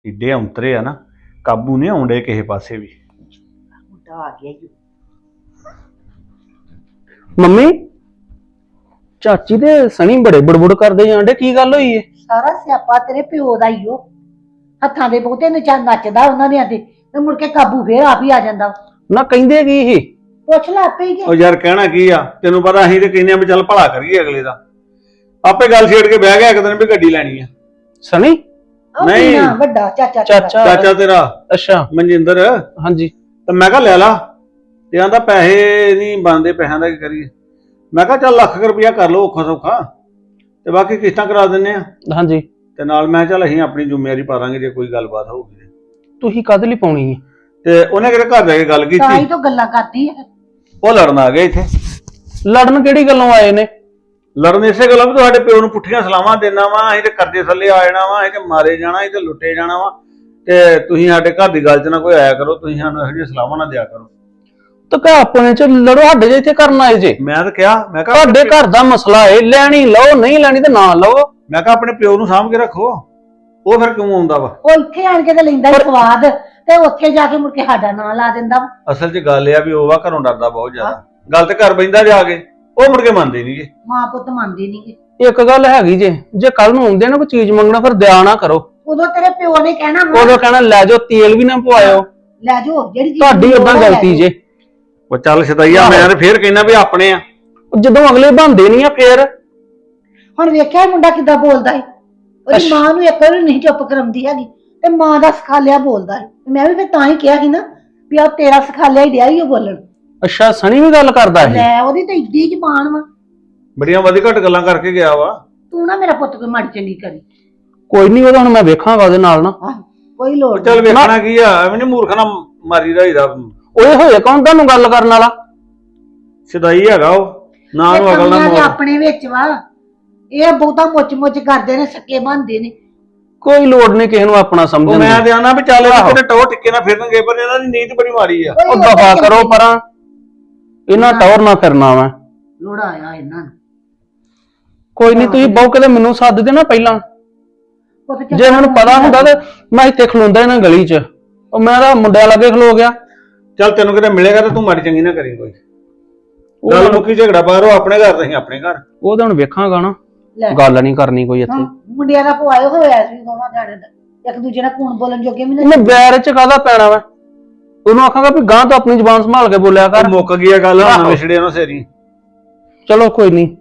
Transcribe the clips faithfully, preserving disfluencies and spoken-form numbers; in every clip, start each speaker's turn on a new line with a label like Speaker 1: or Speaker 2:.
Speaker 1: ਏਡੇ ਔਂਤਰੇ ਆ ਨਾ, ਕਾਬੂ ਨਹੀਂ ਆਉਂਦੇ ਕਿਸੇ ਪਾਸੇ ਵੀ।
Speaker 2: ਮੁੰਡਾ ਆ ਗਿਆ ਜੀ।
Speaker 3: ਮੰਮੀ ਚਾਚੀ ਤੇ ਸਣੀ ਬੜੇ ਬੜਬੜ ਕਰਦੇ ਜਾਂਦੇ, ਕੀ ਗੱਲ ਹੋਈ ਏ?
Speaker 2: ਸਾਰਾ ਸਿਆਪਾ ਤੇਰੇ ਪਿਓ ਦਾ ਹੀ ਓ। ਹੱਥਾਂ ਦੇ ਬਹੁਤੇ ਨਚਾ ਨੱਚਦਾ ਉਹਨਾਂ ਦੇ ਤੇ ਤੇ ਮੁੜ ਕੇ ਕਾਬੂ ਫੇਰ ਆਪ ਹੀ ਆ ਜਾਂਦਾ।
Speaker 3: ਨਾ ਕਹਿੰਦੇ ਕੀ ਇਹ?
Speaker 2: ਪੁੱਛ ਲੈ ਆਪੇ ਹੀ ਕਿ
Speaker 1: ਉਹ ਯਾਰ ਕਹਿਣਾ ਕੀ ਆ, ਤੈਨੂੰ ਪਤਾ ਅਸੀਂ ਤੇ ਕਹਿੰਦੇ ਆ ਵੀ ਚੱਲ ਭਲਾ ਕਰੀਏ ਅਗਲੇ ਦਾ। ਆਪੇ ਗੱਲ ਛੇੜ ਕੇ ਬਹਿ ਗਿਆ ਇੱਕ ਦਿਨ ਵੀ ਗੱਡੀ ਲੈਣੀ ਆ।
Speaker 3: ਸਣੀ?
Speaker 2: ਉਹ
Speaker 1: ਨਹੀਂ।
Speaker 2: ਮੀਨਾ ਵੱਡਾ ਚਾਚਾ ਤੇਰਾ।
Speaker 3: ਚਾਚਾ
Speaker 1: ਚਾਚਾ ਤੇਰਾ
Speaker 3: ਅੱਛਾ
Speaker 1: ਮਨਜਿੰਦਰ।
Speaker 3: ਹਾਂਜੀ।
Speaker 1: ਤੇ ਮੈਂ ਕਿਹਾ ਲੈ ਲਾ, ਤੇ ਆਂਦਾ ਪੈਸੇ ਨਹੀਂ ਬਣਦੇ, ਪੈਸਿਆਂ ਦਾ ਕੀ ਕਰੀਏ। ਮੈਂ ਕਿਹਾ ਚੱਲ ਲੱਖ ਰੁਪਇਆ ਕਰ ਲਓ ਔਖਾ ਸੌਖਾ, ਤੇ ਬਾਕੀ ਕਿਸ਼ਤਾਂ ਕਰਾ ਦਿੰਨੇ ਆ।
Speaker 3: ਹਾਂਜੀ।
Speaker 1: ਤੇ ਨਾਲ ਮੈਂ ਚੱਲ ਅਸੀਂ ਆਪਣੀ ਜ਼ਿੰਮੇਵਾਰੀ ਪਾ ਦਾਂਗੇ ਜੇ ਕੋਈ ਗੱਲਬਾਤ ਹੋਊਗੀ।
Speaker 3: ਤੁਸੀਂ ਕਾਹਦੇ ਲਈ ਪਾਉਣੀ ਹੈ?
Speaker 1: ਤੇ ਉਹਨੇ ਕਿਹੜੇ ਘਰ ਜਾ ਕੇ ਗੱਲ
Speaker 2: ਤਾਂ ਹੀ
Speaker 1: ਕੀਤੀ,
Speaker 2: ਤੋਂ ਗੱਲਾਂ ਕਰਦੀ ਹੈ।
Speaker 1: ਉਹ ਲੜਨ ਆ ਗਏ ਇੱਥੇ।
Speaker 3: ਲੜਨ ਕਿਹੜੀ ਗੱਲੋਂ ਆਏ ਨੇ?
Speaker 1: ਲੜਨ ਇਸੇ ਗੱਲੋਂ ਵੀ ਤੁਹਾਡੇ ਪਿਓ ਨੂੰ ਪੁੱਠੀਆਂ ਸਲਾਹਾਂ ਦੇਣਾ ਵਾ, ਅਸੀਂ ਤੇ ਕਰਜ਼ੇ ਥੱਲੇ ਆ ਜਾਣਾ ਵਾ, ਅਸੀਂ ਤੇ ਮਾਰੇ ਜਾਣਾ, ਅਸੀਂ ਤੇ ਲੁੱਟੇ ਜਾਣਾ ਵਾ, ਤੇ ਤੁਸੀਂ ਸਾਡੇ ਘਰ ਦੀ ਗੱਲ 'ਚ ਨਾ ਕੋਈ ਆਇਆ ਕਰੋ, ਤੁਸੀਂ ਸਾਨੂੰ ਇਹੋ ਜਿਹੀਆਂ ਸਲਾਹਾਂ ਨਾ ਦਿਆ ਕਰੋ।
Speaker 3: ਤਾਂ ਘਰ ਆਪਣੇ ਚ ਲੜੋ, ਸਾਡੇ ਜੇ ਇੱਥੇ ਕਰਨ ਆਏ ਜੇ।
Speaker 1: ਮੈਂ ਤਾਂ ਕਿਹਾ, ਮੈਂ ਕਿਹਾ
Speaker 3: ਤੁਹਾਡੇ ਘਰ ਦਾ ਮਸਲਾ ਏ, ਲੈਣੀ ਲਓ, ਨਹੀਂ ਲੈਣੀ ਤੇ ਨਾ ਲਓ।
Speaker 1: ਮੈਂ ਕਿਹਾ ਆਪਣੇ ਪਿਓ ਨੂੰ ਸਾਂਭ ਕੇ ਰੱਖੋ, ਉਹ ਫਿਰ ਕਿਉਂ ਆਉਂਦਾ ਵਾ?
Speaker 2: ਉਹ ਇੱਥੇ ਆਣ ਕੇ ਤੇ ਲੈਂਦਾ ਹੀ ਸਵਾਦ, ਤੇ ਉੱਥੇ ਜਾ ਕੇ ਮੁੜ ਕੇ ਸਾਡਾ ਨਾਂ ਲਾ ਦਿੰਦਾ ਵਾ।
Speaker 1: ਅਸਲ 'ਚ ਗੱਲ ਇਹ ਆ ਵੀ ਉਹ ਵਾ ਘਰੋਂ ਡਰਦਾ ਬਹੁਤ ਜ਼ਿਆਦਾ, ਗੱਲ ਤੇ ਘਰ ਬੈਂਦਾ ਜਾ ਕੇ, ਉਹ ਮੁੜ ਕੇ ਮੰਨਦੇ ਨਹੀਂਗੇ।
Speaker 2: ਮਾਂ ਪੁੱਤ ਮੰਨਦੇ ਨਹੀਂਗੇ।
Speaker 3: ਇੱਕ ਗੱਲ ਹੈਗੀ ਜੇ, ਜੇ ਕੱਲ ਨੂੰ ਆਉਂਦੇ ਨਾ ਕੋਈ ਚੀਜ਼ ਮੰਗਣਾ ਫਿਰ ਦਿਆ ਨਾ ਕਰੋ।
Speaker 2: ਉਦੋਂ ਤੇਰੇ ਪਿਓ ਨੇ ਕਹਿਣਾ ਵਾ,
Speaker 3: ਉਦੋਂ ਕਹਿਣਾ ਲੈ ਜਾਓ, ਤੇਲ ਵੀ ਨਾ ਪਵਾਇਓ,
Speaker 2: ਲੈ ਜਾਓ ਜਿਹੜੀ ਚੀਜ਼
Speaker 3: ਤੁਹਾਡੀ
Speaker 2: ਲੋੜ
Speaker 3: ਉਦਾਂ
Speaker 2: ਆ, ਲੈ
Speaker 3: ਗਲਤੀ
Speaker 2: ਜਾਓ।
Speaker 3: ਜੇ।
Speaker 1: ਉਹ ਚੱਲ ਸਦਾਈਆ, ਮੈਂ ਤੇ ਫੇਰ ਕਹਿੰਦਾ ਵੀ ਆਪਣੇ ਆ।
Speaker 3: ਜਦੋਂ ਅਗਲੇ ਬੰਦੇ ਨਹੀਂ ਆ ਫੇਰ।
Speaker 2: ਹੁਣ ਵੇਖਿਆ ਇਹ ਮੁੰਡਾ ਕਿੱਦਾਂ ਬੋਲਦਾ ਹੈ। ਉਹਦੀ
Speaker 3: ਅੱਛਾ।
Speaker 2: ਮਾਂ ਨੂੰ ਇੱਕ ਵਾਰੀ ਨਹੀਂ ਚੁੱਪ ਕਰਾਉਂਦੀ ਹੈਗੀ, ਤੇ ਮਾਂ ਦਾ ਸਿਖਾਲਿਆ ਬੋਲਦਾ ਹੈ। ਮੈਂ ਵੀ ਫਿਰ ਤਾਂ ਹੀ ਕਿਹਾ ਸੀ ਨਾ ਵੀ ਆ ਤੇਰਾ ਸਿਖਾਲਿਆ ਹੀ ਡਿਆ ਹੀ ਉਹ ਬੋਲਣ।
Speaker 3: ਅੱਛਾ, ਸਣੀ ਵੀ ਗੱਲ ਕਰਦਾ ਇਹ?
Speaker 2: ਲੈ ਉਹਦੀ ਤਾਂ ਇੱਡੀ ਜ਼ਬਾਨ ਵਾ।
Speaker 1: ਬੜੀਆਂ ਵਧੀ ਘੱਟ ਗੱਲਾਂ ਕਰਕੇ ਗਿਆ ਵਾ।
Speaker 2: ਤੂੰ ਨਾ ਮੇਰਾ ਪੁੱਤ ਕੋਈ ਮਾੜੀ ਚੰਗੀ ਕਰੀ।
Speaker 3: ਕੋਈ ਨਹੀਂ, ਉਹਦਾ ਹੁਣ ਮੈਂ ਵੇਖਾਂਗਾ ਉਹਦੇ ਨਾਲ ਨਾ।
Speaker 2: ਆਹ ਕੋਈ ਲੋੜ
Speaker 1: ਚੱਲ ਵੇਖਣਾ ਕੀ ਆ, ਐਵੇਂ ਨੀ ਮੂਰਖ ਨਾਲ ਮਾਰੀ ਰਹੀਦਾ।
Speaker 3: ਓਏ ਹੋਏ ਕੌਣ ਤੁਹਾਨੂੰ ਗੱਲ ਕਰਨ ਵਾਲਾ?
Speaker 1: ਸਦਾਈ ਹੈਗਾ ਉਹ, ਨਾ ਨੂੰ ਅਕਲ ਨਾ
Speaker 2: ਕਮੀਆਂ ਤੇ
Speaker 1: ਮੋੜ।
Speaker 2: ਆਪਣੇ ਵਿੱਚ ਵਾ। ਇਹ ਬਹੁਤਾ ਮੁੱਚ ਮੁੱਚ ਕਰਦੇ ਨੇ, ਸੱਕੇ ਬਣਦੇ ਨੇ।
Speaker 3: ਕੋਈ ਲੋੜ ਨਹੀਂ ਕਿਸੇ ਨੂੰ ਆਪਣਾ
Speaker 1: ਉਹ
Speaker 3: ਸਮਝਣ
Speaker 1: ਮੈਂ
Speaker 3: ਦੀ।
Speaker 1: ਤੇ ਆਣਾ ਵੀ ਚੱਲ ਇਹਨਾਂ ਕਿਤੇ ਟੌਰ ਟਿੱਕੇ ਨਾ ਫਿਰਨਗੇ, ਪਰ ਇਹਨਾਂ ਦੀ ਨੀਤ ਬੜੀ ਮਾੜੀ ਆ।
Speaker 2: ਕੋਈ
Speaker 3: ਉਹ ਦਫਾ
Speaker 2: ਉਹਦਾ
Speaker 3: ਕਰੋ ਪਰਾਂ, ਇਹਨਾਂ ਟੌਰ ਨਾ ਫਿਰਨਾ ਵਾ।
Speaker 2: ਲੋੜਾ ਆਇਆ ਇਹਨਾਂ ਨੂੰ।
Speaker 3: ਕੋਈ ਨਹੀਂ, ਤੁਸੀਂ ਬਹੁ ਕਿਤੇ ਮੈਨੂੰ ਸੱਦ ਦੇਣਾ ਪਹਿਲਾਂ।
Speaker 2: ਉਹ ਤੇ
Speaker 3: ਜੇ ਮੈਨੂੰ ਪਤਾ ਹੁੰਦਾ ਤੇ ਮੈਂ ਇੱਥੇ ਖਲੋਂਦਾ ਇਹਨਾਂ ਗਲੀ 'ਚ। ਉਹ ਮੈਂ ਤਾਂ ਮੁੰਡਿਆਂ ਲਾਗੇ ਖਲੋ ਗਿਆ।
Speaker 1: ਚੱਲ ਤੈਨੂੰ ਕਿਤੇ ਮਿਲੇਗਾ ਤਾਂ ਤੂੰ ਮਾੜੀ ਚੰਗੀ ਨਾ ਕਰੀ ਕੋਈ ਗੱਲ। ਮੁੱਕੀ ਝਗੜਾ ਬਾਹਰੋਂ ਆਪਣੇ ਘਰ ਤੇ ਅਸੀਂ ਆਪਣੇ ਘਰ।
Speaker 3: ਉਹ ਤਾਂ ਹੁਣ ਵੇਖਾਂਗਾ ਨਾ,
Speaker 2: ਲੈ।
Speaker 3: ਗੱਲ ਨਹੀਂ ਕਰਨੀ ਕੋਈ ਇੱਥੇ।
Speaker 2: ਹਾਂ, ਮੁੰਡਿਆਂ ਦਾ ਪੁਆਇਓ ਹੋਇਆ ਸੀ ਦੋਵਾਂ ਜਾਣੇ ਦਾ, ਇੱਕ ਦੂਜੇ ਨਾਲ ਕੂਣ ਬੋਲਣ ਜੋਗੇ ਵੀ
Speaker 3: ਇਹਨੇ
Speaker 2: ਨਹੀਂ।
Speaker 3: ਬੈਰ 'ਚ ਕਾਹਦਾ ਪੈਣਾ ਵਾ? ਉਹਨੂੰ ਆਖਾਂਗਾ ਵੀ ਗਾਂ ਤੋਂ ਆਪਣੀ ਜ਼ੁਬਾਨ ਸੰਭਾਲ ਕੇ ਬੋਲਿਆ ਕਰ।
Speaker 1: ਉਹ ਮੁੱਕ ਗਈ ਆ ਗੱਲ, ਹੁਣ
Speaker 3: ਆਹੋ।
Speaker 1: ਵਿਛੜੇ ਉਹਨਾਂ ਸੇਰੀ।
Speaker 3: ਚਲੋ ਕੋਈ ਨਹੀਂ।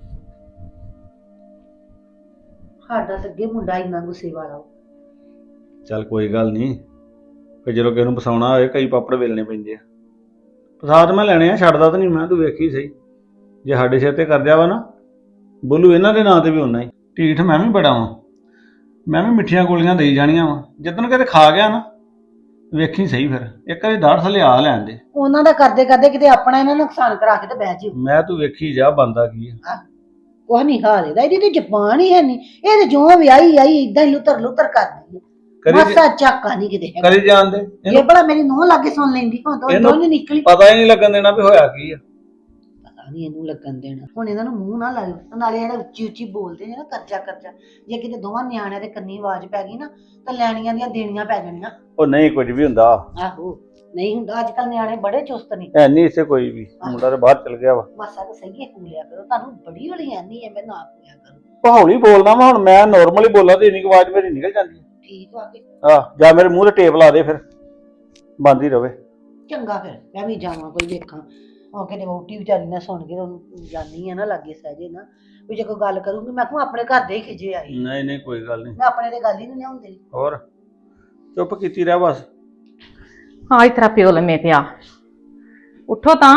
Speaker 2: ਸਾਡਾ ਤਾਂ ਅੱਗੇ ਮੁੰਡਾ ਇੰਨਾ ਗੁੱਸੇ ਵਾਲਾ ਵਾ।
Speaker 1: ਚੱਲ ਕੋਈ ਗੱਲ ਨਹੀਂ, ਫਿਰ ਜਦੋਂ ਕਿਸੇ ਨੂੰ ਫਸਾਉਣਾ ਹੋਏ ਕਈ ਪਾਪੜ ਵੇਲਣੇ ਪੈਂਦੇ ਆ। ਫਸਾਦ ਮੈਂ ਲੈਣੇ ਆ, ਛੱਡਦਾ ਤਾਂ ਨਹੀਂ ਮੈਂ, ਤੂੰ ਵੇਖੀ ਸਹੀ। ਜੇ ਸਾਡੇ ਸਿਰ ਤੇ ਕਰਦਿਆ ਵਾ ਨਾ, ਬੋਲੂ ਇਹਨਾਂ ਦੇ ਨਾਂ ਤੇ ਵੀ ਉਹਨਾਂ ਹੀ ਢੀਠ। ਮੈਂ ਵੀ ਬੜਾ ਵਾਂ, ਮੈਂ ਵੀ ਮਿੱਠੀਆਂ ਗੋਲੀਆਂ ਦੇਈ ਜਾਣੀਆਂ ਵਾ। ਜਿੱਦਣ ਕਿਤੇ ਖਾ ਗਿਆ ਨਾ, ਵੇਖੀ ਸਹੀ। ਫਿਰ ਇੱਕ ਵਾਰੀ ਦਾੜ ਥੱਲੇ ਆ ਲੈਣ ਦੇ।
Speaker 2: ਉਹਨਾਂ ਦਾ ਕਰਦੇ ਕਰਦੇ ਕਿਤੇ ਆਪਣਾ ਇਹਨਾਂ ਨੂੰ ਨੁਕਸਾਨ ਕਰਾ ਕੇ ਤੇ ਬਹਿ ਜਿਓ।
Speaker 1: ਮੈਂ ਤੂੰ ਵੇਖੀ ਜਾ ਬੰਦਾ ਕੀ ਆ।
Speaker 2: ਕੁਛ ਨਹੀਂ ਹਾਲ ਇਹਦਾ, ਇਹਦੀ ਤੇ ਜ਼ਬਾਨ ਹੀ ਹੈ ਨਹੀਂ। ਇਹ ਤੇ ਜੋ ਵਿਆਹੀ ਆਈ ਇਦਾਂ ਹੀ ਲੁੱਤਰ ਲੁੱਤਰ ਕਰਦੀ ਹੈ।
Speaker 1: ਕਰੀ
Speaker 2: ਮਾਸਾ ਚੱਕਾ ਨਹੀਂ ਕਿਤੇ ਹੈਗਾ।
Speaker 1: ਕਰੀ ਜਾਣ ਦੇ
Speaker 2: ਇਹ
Speaker 1: ਇਹਨੂੰ,
Speaker 2: ਬੜਾ ਮੇਰੀ ਨੂੰਹ ਲਾਗੇ ਸੁਣ ਲੈਂਦੀ, ਹੁਣ ਤਾਂ
Speaker 1: ਇਹਨੂੰ-
Speaker 2: ਉਹ ਨਹੀਂ ਨਿਕਲੀ।
Speaker 1: ਪਤਾ ਹੀ ਨਹੀਂ ਲੱਗਣ ਦੇਣਾ ਵੀ ਹੋਇਆ ਕੀ ਆ।
Speaker 2: ਪਤਾ ਨਹੀਂ ਇਹਨੂੰ ਲੱਗਣ ਦੇਣਾ। ਹੁਣ ਇਹਨਾਂ ਨੂੰ ਮੂੰਹ ਨਾ ਲਾਇਓ, ਨਾਲੇ ਜਿਹੜਾ ਉੱਚੀ ਉੱਚੀ ਬੋਲਦੇ ਨੇ ਨਾ, ਕਰਜਾ ਕਰਜਾ, ਜੇ ਕਿਤੇ ਦੋਵਾਂ ਨਿਆਣਿਆਂ ਦੇ ਕੰਨੀ ਆਵਾਜ਼ ਪੈ ਗਈ ਨਾ ਤਾਂ ਲੈਣੀਆਂ ਦੀਆਂ ਦੇਣੀਆਂ ਪੈ ਜਾਣੀਆਂ।
Speaker 1: ਉਹ ਨਹੀਂ ਕੁਝ ਵੀ ਹੁੰਦਾ,
Speaker 2: ਆਹੋ ਨਹੀਂ ਹੁੰਦਾ। ਅੱਜ ਕੱਲ ਨਿਆਣੇ ਬੜੇ ਚੁਸਤ ਨੇ।
Speaker 1: ਐ ਨਹੀਂ ਇਸੇ ਕੋਈ ਵੀ। ਮੁੰਡਾ ਤੇ ਬਾਹਰ ਚਲ ਗਿਆ ਵਾ।
Speaker 2: ਮਾਸਾ ਤਾਂ ਸਹੀ ਹੈ, ਕੂਲਿਆ ਕਰੋ। ਤੁਹਾਨੂੰ ਬੜੀ ਵਾਲੀ ਐਨੀ ਹੈ, ਮੈਂ ਨਾ ਕੂਲਿਆ ਕਰੋ।
Speaker 1: ਉਹ ਹੌਲੀ ਬੋਲਦਾ ਵਾ, ਹੁਣ ਮੈਂ ਨੋਰਮਲੀ ਬੋਲਾਂ ਤੇ ਇੰਨੀ ਕੁ ਆਵਾਜ਼ ਮੇਰੀ ਨਿਕਲ ਜਾਂਦੀ
Speaker 2: ਠੀਕ ਵਾ ਕੇ
Speaker 1: ਆ। ਜਾਂ ਮੇਰੇ ਮੂੰਹ ਤੇ ਟੇਪ ਲਾ ਦੇ, ਫਿਰ ਬੰਦ ਹੀ ਰਵੇ।
Speaker 2: ਚੰਗਾ, ਫਿਰ ਮੈਂ ਵੀ ਜਾਵਾਂ ਕੋਈ ਵੇਖਾਂ। ਉਹ ਕਿਤੇ ਵੋਟੀ ਵਿਚਾਰੀ ਨਾ ਸੁਣ ਕੇ ਉਹਨੂੰ ਜਾਨੀ ਆ ਨਾ ਲਾਗੇ ਸਹਜੇ ਨਾ, ਵੀ ਜੇ ਕੋਈ ਗੱਲ ਕਰੂੰਗੀ ਮੈਂ ਕਹੂੰ ਆਪਣੇ ਘਰ ਦੇ ਹੀ ਖਿਜੇ ਆਈ।
Speaker 1: ਨਹੀਂ ਨਹੀਂ ਕੋਈ ਗੱਲ ਨਹੀਂ।
Speaker 2: ਮੈਂ ਆਪਣੇ ਤੇ ਗੱਲ ਹੀ ਨਹੀਂ ਲਿਆਉਂਦੀ।
Speaker 1: ਹੋਰ ਚੁੱਪ ਕੀਤੀ ਰਹਿ ਬਸ।
Speaker 4: ਹਾਂ, ਇਤਰਾ ਪਿਓ ਲੰਮੇ ਪਿਆ। ਉੱਠੋ ਤਾਂ।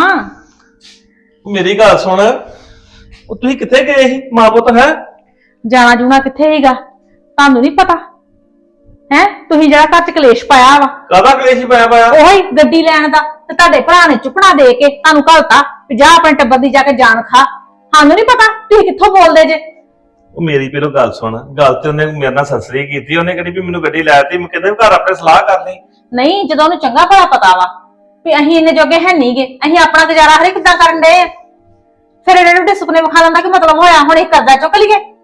Speaker 5: ਮੇਰੀ ਗੱਲ ਸੁਣ, ਉਹ ਤੁਸੀਂ ਕਿੱਥੇ ਗਏ ਸੀ ਮਾਂ ਪੁੱਤ? ਹੈ
Speaker 4: ਜਾਣਾ ਜੂਣਾ ਕਿੱਥੇ ਹੀਗਾ, ਤੁਹਾਨੂੰ ਨਹੀਂ ਪਤਾ ਹੈ? ਤੁਸੀਂ ਜਿਹੜਾ ਘਰ ਚ ਕਲੇਸ਼ ਪਾਇਆ ਵਾ,
Speaker 5: ਕਾਹਦਾ ਕਲੇਸ਼ ਪਾਇਆ ਪਾਇਆ?
Speaker 4: ਉਹੀ ਗੱਡੀ ਲੈਣ ਦਾ, ਤੇ ਤੁਹਾਡੇ ਭਰਾ ਨੇ ਚੁੱਕਣਾ ਦੇ ਕੇ ਤੁਹਾਨੂੰ ਘਲਤਾ ਵੀ ਜਾ ਆਪਣੇ ਟੱਬਰ ਦੀ ਜਾ ਕੇ ਜਾਨ ਖਾ। ਸਾਨੂੰ ਨਹੀਂ ਪਤਾ ਤੁਸੀਂ ਕਿੱਥੋਂ ਬੋਲਦੇ ਜੇ।
Speaker 5: ਉਹ ਮੇਰੀ ਪਹਿਲੋਂ ਗੱਲ ਸੁਣ, ਗੱਲ ਤੇ ਉਹਨੇ ਮੇਰੇ ਨਾਲ ਸਸਰੀ ਕੀਤੀ। ਉਹਨੇ ਕਹਿੰਦੀ ਵੀ ਮੈਨੂੰ ਗੱਡੀ ਲੈ ਦਿੱਤੀ। ਮੈਂ ਕਹਿੰਦਾ ਘਰ ਆਪਣੇ ਸਲਾਹ ਕਰਨੀ।
Speaker 4: ਨਹੀਂ, ਜਦੋਂ ਉਹਨੂੰ ਚੰਗਾ ਭਲਾ ਪਤਾ ਵਾ ਵੀ ਅਸੀਂ ਇੰਨੇ ਜੋਗੇ ਹੈ ਨਹੀਂਗੇ, ਅਸੀਂ ਆਪਣਾ ਗੁਜ਼ਾਰਾ ਹਰੇ ਕਿੱਦਾਂ ਕਰਨ ਡਏ। ਫਿਰ ਇਹਨੇ ਵੱਡੇ ਸੁਪਨੇ ਵਿਖਾ ਲੈਂਦਾ ਕਿ ਮਤਲਬ ਹੋਇਆ ਹੁਣ ਇਹ ਕਰਦਾ ਚੁੱਕ ਲਈਏ।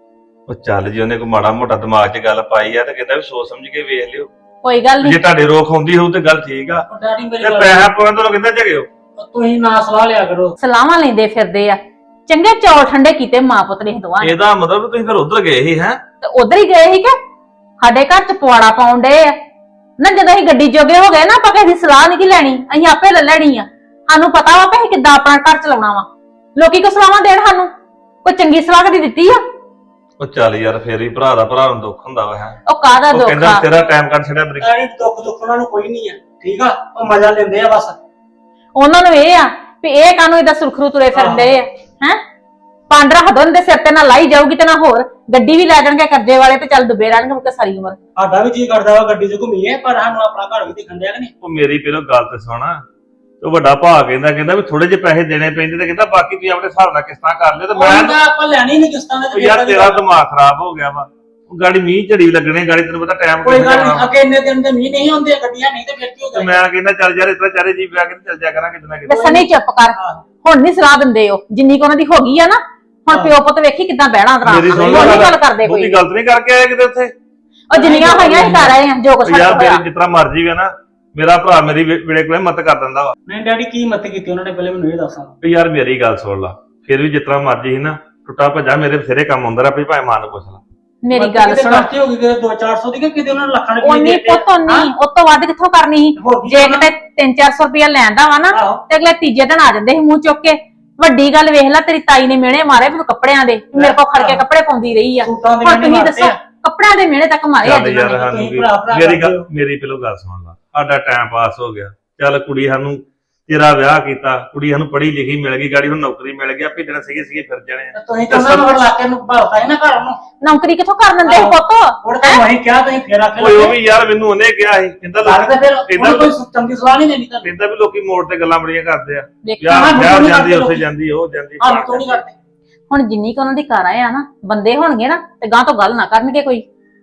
Speaker 5: ਉਹ ਚੱਲ ਜੀ ਉਹਨੇ ਕੋਈ ਮਾੜਾ ਮੋਟਾ ਦਿਮਾਗ 'ਚ ਗੱਲ ਪਾਈ ਆ ਤੇ ਕਹਿੰਦਾ ਵੀ ਸੋਚ ਸਮਝ ਕੇ ਵੇਖ ਲਿਓ
Speaker 4: ਕੋਈ ਗੱਲ
Speaker 5: ਜੇ
Speaker 4: ਨਹੀਂ।
Speaker 5: ਤੁਹਾਡੇ ਰੋਕ ਹੁੰਦੀ ਹੋਊ ਤੇ ਗੱਲ ਠੀਕ ਆ
Speaker 6: ਉਹ ਡੈਡੀ ਮੇਰੀ
Speaker 5: ਤੇ
Speaker 6: ਗੱਲ
Speaker 5: ਪੈਸਾ ਪਾਉਣ ਤੋਂ ਕਹਿੰਦਾ ਝਗਿਓ
Speaker 6: ਤੁਸੀਂ ਨਾ ਸਲਾਹ ਲਿਆ ਕਰੋ।
Speaker 4: ਸਲਾਹਾਂ ਲੈਂਦੇ ਫਿਰਦੇ ਆ, ਚੰਗੇ ਚੌਲ ਠੰਡੇ ਕੀਤੇ ਮਾਂ ਪੁੱਤ ਨੇ ਦੋਵਾਂ ਨੇ।
Speaker 5: ਇਹਦਾ ਮਤਲਬ ਤੁਸੀਂ ਫਿਰ ਉਧਰ ਗਏ ਸੀ ਹੈ
Speaker 4: ਤੇ ਉਧਰ ਹੀ ਗਏ ਸੀ ਕਿ ਸਾਡੇ ਘਰ ਚ ਪਵਾੜਾ ਪਾਉਣ ਡਏ ਆ ਨਾ। ਜਦੋਂ ਅਸੀਂ ਗੱਡੀ ਜੋਗੇ ਹੋ ਗਏ ਨਾ, ਆਪਾਂ ਕਿਸੇ ਦੀ ਸਲਾਹ ਨਹੀਂ ਕੀ ਲੈਣੀ, ਅਸੀਂ ਆਪੇ ਲੈ ਲੈਣੀ ਆ। ਸਾਨੂੰ ਪਤਾ ਵਾ ਕਿ ਅਸੀਂ ਕਿੱਦਾਂ ਆਪਣਾ ਘਰ ਚਲਾਉਣਾ ਵਾ। ਲੋਕੀ ਕੋ ਸਲਾਹਾਂ ਦੇਣ ਸਾਨੂੰ, ਕੋਈ ਚੰਗੀ ਸਲਾਹ ਕਦੀ ਦਿੱਤੀ ਆ?
Speaker 5: ਉਹ ਚੱਲ ਯਾਰ ਫੇਰ ਵੀ ਭਰਾ ਦਾ ਭਰਾ ਨੂੰ ਦੁੱਖ ਹੁੰਦਾ ਵਾ ਹੈ
Speaker 4: ਉਹ ਕਾਹਦਾ
Speaker 5: ਉਹ
Speaker 4: ਦੁੱਖ
Speaker 5: ਕਹਿੰਦਾ
Speaker 4: ਆ?
Speaker 5: ਤੇਰਾ ਟਾਈਮ ਕੱਢ ਛੜਿਆ ਬਰੀ
Speaker 6: ਡੈਡੀ ਦੁੱਖ ਦੁੱਖ ਉਹਨਾਂ ਨੂੰ ਕੋਈ ਨਹੀਂ ਆ, ਠੀਕ ਆ, ਉਹ ਮਜ਼ਾ ਲੈਂਦੇ ਆ ਬਸ।
Speaker 4: ਉਹਨਾਂ ਨੂੰ ਇਹ ਆ ਵੀ ਇਹ ਕਾਹਨੂੰ ਇਹਦਾ ਸੁਰਖਰੂ ਤੁਰੇ ਫਿਰਦੇ ਆ ਹੈ। ਪੰਡ ਰੱਖ ਦੋ ਦੇ ਸਿਰ ਤੇ ਨਾ ਲਾਈ ਜਾਊਗੀ ਤੇ ਨਾ ਹੋਰ ਗੱਡੀ ਵੀ ਲੈ ਜਾਣਗੇ ਕਰਜ਼ੇ ਵਾਲੇ ਤੇ ਚੱਲ ਡੁੱਬੇ ਰਹਿਣਗੇ ਮੁੱਕੇ ਸਾਰੀ ਉਮਰ।
Speaker 6: ਸਾਡਾ ਵੀ ਜੀ ਕਰਦਾ ਵਾ ਗੱਡੀ 'ਚ ਘੁੰਮੀਏ, ਪਰ ਸਾਨੂੰ ਆਪਣਾ ਘਰ ਵੀ ਦਿਖਣ ਦਿਆ ਕਿ ਨਹੀਂ।
Speaker 5: ਉਹ ਮੇਰੀ ਪਹਿਲਾਂ ਗੱਲ ਤੇ ਸੁਣ ਉਹ ਵੱਡਾ ਭਾ ਕਹਿੰਦਾ ਕਹਿੰਦਾ ਵੀ ਥੋੜੇ ਜਿਹੇ ਪੈਸੇ ਦੇਣੇ ਪੈਂਦੇ ਤੇ ਕਹਿੰਦਾ ਬਾਕੀ ਤੁਸੀਂ ਆਪਣੇ ਹਿਸਾਬ ਨਾਲ ਕਿਸ਼ਤਾਂ ਕਰ ਲਿਓ ਤੇ ਮੈਂ
Speaker 6: ਉਹਨਾਂ ਦਾ ਆਪਾਂ ਲੈਣੀ ਨਹੀਂ ਕਿਸ਼ਤਾਂ ਦੇ
Speaker 5: ਉਹ
Speaker 6: ਤੇ
Speaker 5: ਯਾਰ
Speaker 6: ਫਿਰ
Speaker 5: ਤੇਰਾ ਦਿਮਾਗ ਖਰਾਬ ਹੋ ਗਿਆ ਵਾ। ਉਹ ਗਾੜੀ ਮੀਂਹ ਝੜੀ ਲੱਗਣੇ ਗਾੜੀ ਤੈਨੂੰ ਪਤਾ ਟਾਈਮ
Speaker 6: ਕੋਈ ਗੱਲ ਨਹੀਂ, ਅੱਗੇ ਇੰਨੇ ਦਿਨ ਦੇ ਮੀਂਹ ਨਹੀਂ ਹੁੰਦੇ ਗੱਡੀਆਂ ਨਹੀਂ ਤੇ ਫਿਰ ਕੀ ਹੋ
Speaker 5: ਤੇ
Speaker 6: ਗਿਆ।
Speaker 5: ਮੈਂ ਕਹਿੰਦਾ ਚੱਲ ਯਾਰ ਇਤਨਾ ਚਾਰੇ ਜੀ ਪਿਆ ਕੇ ਤੇ ਚੱਲ ਜਾ ਕਰਾਂਗੇ ਕਿਤੇ ਨਾ
Speaker 4: ਤੇ
Speaker 5: ਕਿਤੇ
Speaker 4: ਸਨੀ ਚੁੱਪ ਕਰ, ਹੁਣ ਨਹੀਂ ਸਲਾਹ ਦਿੰਦੇ ਉਹ ਜਿੰਨੀ ਕੁ ਉਹਨਾਂ ਦੀ ਹੋ ਗਈ ਆ ਨਾ। ਹੁਣ ਪਿਓ ਪੁੱਤ ਵੇਖੀ ਕਿੱਦਾਂ ਬਹਿਣਾ ਤਰਾ
Speaker 5: ਮੇਰੀ ਸੁਣ
Speaker 4: ਉਹ ਨਹੀਂ ਗੱਲ ਕਰਦੇ ਕੋਈ।
Speaker 5: ਉਹਦੀ ਗਲਤ ਨਹੀਂ ਕਰਕੇ ਆਇਆ ਕਿਤੇ ਉੱਥੇ
Speaker 4: ਉਹ ਜਿੰਨੀਆਂ ਹੋਈਆਂ ਹੀ ਕਰ ਆਏ ਆ ਜੋ ਕੁਛ
Speaker 5: ਉਹ ਯਾਰ
Speaker 4: ਹੋਇਆ।
Speaker 5: ਮੇਰੀ ਜਿਤਨਾ ਮਰਜੀ ਵੇ ਨਾ ਮੇਰਾ ਭਰਾ ਮੇਰੀ ਵੇ- ਵੇਲੇ ਕੋਲੇ ਮਤ ਕਰ ਦਿੰਦਾ ਵਾ
Speaker 6: ਨਹੀਂ ਡੈਡੀ ਕੀ ਮਤ ਕੀਤੀ ਉਹਨਾਂ ਨੇ, ਪਹਿਲੇ ਮੈਨੂੰ ਇਹ ਦੱਸਣਾ।
Speaker 5: ਵੀ ਯਾਰ ਮੇਰੀ ਗੱਲ ਸੁਣ ਲਾ ਫਿਰ ਵੀ ਜਿਤਨਾ ਮਰਜੀ ਸੀ ਨਾ ਟੁੱਟਾ ਭੱਜਾ ਮੇਰੇ ਬਥੇਰੇ ਕੰਮ ਹੁੰਦਾ ਰਿਹਾ ਆਪਣੀ ਭਾਵੇਂ ਮਾਂ ਨੂੰ ਪੁੱਛ ਲਾ।
Speaker 4: ਮੇਰੀ ਗੱਲ ਸੁਣੋ,
Speaker 6: ਖਰਚੇ ਹੋ ਗਏ ਕਿਤੇ ਦੋ ਚਾਰ ਸੌ ਦੀ ਕਿ ਕਿਤੇ ਉਹਨਾਂ ਨੇ ਲੱਖਾਂ ਰੁਪਏ
Speaker 4: ਉਨੀ ਪੁੱਤ ਉਨੀ ਉਹ ਤੋਂ ਵੱਧ ਕਿੱਥੋਂ ਕਰਨੀ ਸੀ?
Speaker 6: ਹੋਰ ਕੀ
Speaker 4: ਜੇ
Speaker 6: ਕਰਨਾ?
Speaker 4: ਕਿਤੇ ਤਿੰਨ ਚਾਰ ਸੌ ਰੁਪਇਆ ਲੈਂਦਾ ਵਾ ਨਾ
Speaker 6: ਆਹੋ।
Speaker 4: ਤੇ ਅਗਲੇ ਤੀਜੇ ਦਿਨ ਆ ਜਾਂਦੇ ਸੀ ਮੂੰਹ ਚੁੱਕ ਕੇ। ਵੱਡੀ ਗੱਲ ਵੇਖ ਲੈ, ਤੇਰੀ ਤਾਈ ਨੇ ਮਿਹਣੇ ਮਾਰੇ ਮੈਨੂੰ ਕੱਪੜਿਆਂ ਦੇ, ਮੇਰੇ ਕੋਲ ਖੜ ਕੇ ਕੱਪੜੇ ਪਾਉਂਦੀ ਰਹੀ ਆ।
Speaker 6: ਸੂਟਾਂ ਦੇ
Speaker 4: ਹੁਣ
Speaker 6: ਮਿਹਣੇ
Speaker 4: ਤੁਸੀਂ
Speaker 6: ਮਾਰਦੇ
Speaker 4: ਦੱਸੋ
Speaker 6: ਆ।
Speaker 4: ਕੱਪੜਿਆਂ ਦੇ ਮਿਹਣੇ ਤੱਕ ਮਾਰੇ ਅੱਜ
Speaker 5: ਚੱਲ
Speaker 4: ਇਹਨਾਂ
Speaker 5: ਯਾਰ
Speaker 4: ਨੇ।
Speaker 5: ਸਾਨੂੰ
Speaker 6: ਤੁਸੀਂ
Speaker 5: ਵੀ
Speaker 6: ਭਰਾ ਭਰਾ
Speaker 5: ਮੇਰੀ
Speaker 6: ਕਰਦੇ
Speaker 5: ਗੱਲ
Speaker 6: ਹੋ।
Speaker 5: ਮੇਰੀ ਪਹਿਲੋਂ ਗੱਲ ਸੁਣ ਲਾ ਸਾਡਾ ਟਾਈਮ ਪਾਸ ਹੋ ਗਿਆ। ਚੱਲ ਕੁੜੀ ਸਾਨੂੰ ਤੇਰਾ ਵਿਆਹ ਕੀਤਾ, ਕੁੜੀ ਸਾਨੂੰ ਪੜ੍ਹੀ ਲਿਖੀ ਮਿਲ ਗਈ, ਗਾੜੀ ਹੁਣ ਨੌਕਰੀ ਮਿਲ ਗਈ, ਆਪੇ ਦਿਨ ਸੀਗੇ ਸੀਗੇ ਫਿਰ ਜਾਣੇ ਆ।
Speaker 6: ਤੁਸੀਂ ਤਾਂ ਉਹਨਾਂ ਨੂੰ ਇਲਾਕੇ ਨੂੰ ਭਾਲਦਾ ਹੈ ਨਾ ਘਰ ਨੂੰ।
Speaker 4: ਨੌਕਰੀ ਕਿੱਥੋਂ ਕਰ ਦਿੰਦੇ ਸੀ ਪੁੱਤ?
Speaker 6: ਹੁਣ ਤਾਂ ਵਹੀਂ ਕਿਹਾ ਤੁਸੀਂ ਫੇਰ ਆਖੇ
Speaker 5: ਓਏ ਉਹ ਵੀ ਯਾਰ ਮੈਨੂੰ ਉਹਨੇ ਕਿਹਾ ਸੀ ਕਹਿੰਦਾ
Speaker 6: ਲੱਗ ਤੇ ਫਿਰ
Speaker 5: ਕਹਿੰਦਾ
Speaker 6: ਉਹਨੂੰ ਕੋਈ ਚੰਗੀ ਸਲਾਹ ਨਹੀਂ ਦੇਣੀ ਤੁਹਾਨੂੰ।
Speaker 5: ਕਹਿੰਦਾ ਵੀ ਲੋਕੀ ਮੋੜ ਤੇ ਗੱਲਾਂ ਬੜੀਆਂ ਕਰਦੇ ਆ
Speaker 4: ਵੇਖੀ
Speaker 5: ਵਿਆਹ
Speaker 6: ਸਾਨੂੰ
Speaker 5: ਵਿਆਹ
Speaker 6: ਨਹੀਂ
Speaker 5: ਜਾਂਦੀ
Speaker 6: ਕਰਦੇ
Speaker 5: ਉੱਥੇ
Speaker 6: ਲੋਕੀ।
Speaker 5: ਜਾਂਦੀ ਉਹ ਜਾਂਦੀ
Speaker 6: ਸਾਨੂੰ ਤੋਂ ਨਹੀਂ ਕਰਦੇ।
Speaker 4: ਹੁਣ ਜਿੰਨੀ ਕੁ ਉਹਨਾਂ ਦੀ ਘਰ ਆਏ ਆ ਨਾ ਬੰਦੇ ਹੋਣਗੇ ਨਾ ਤੇ ਗਾਂ ਤੋਂ ਗੱਲ ਨਾ ਕਰਨਗੇ ਕੋਈ।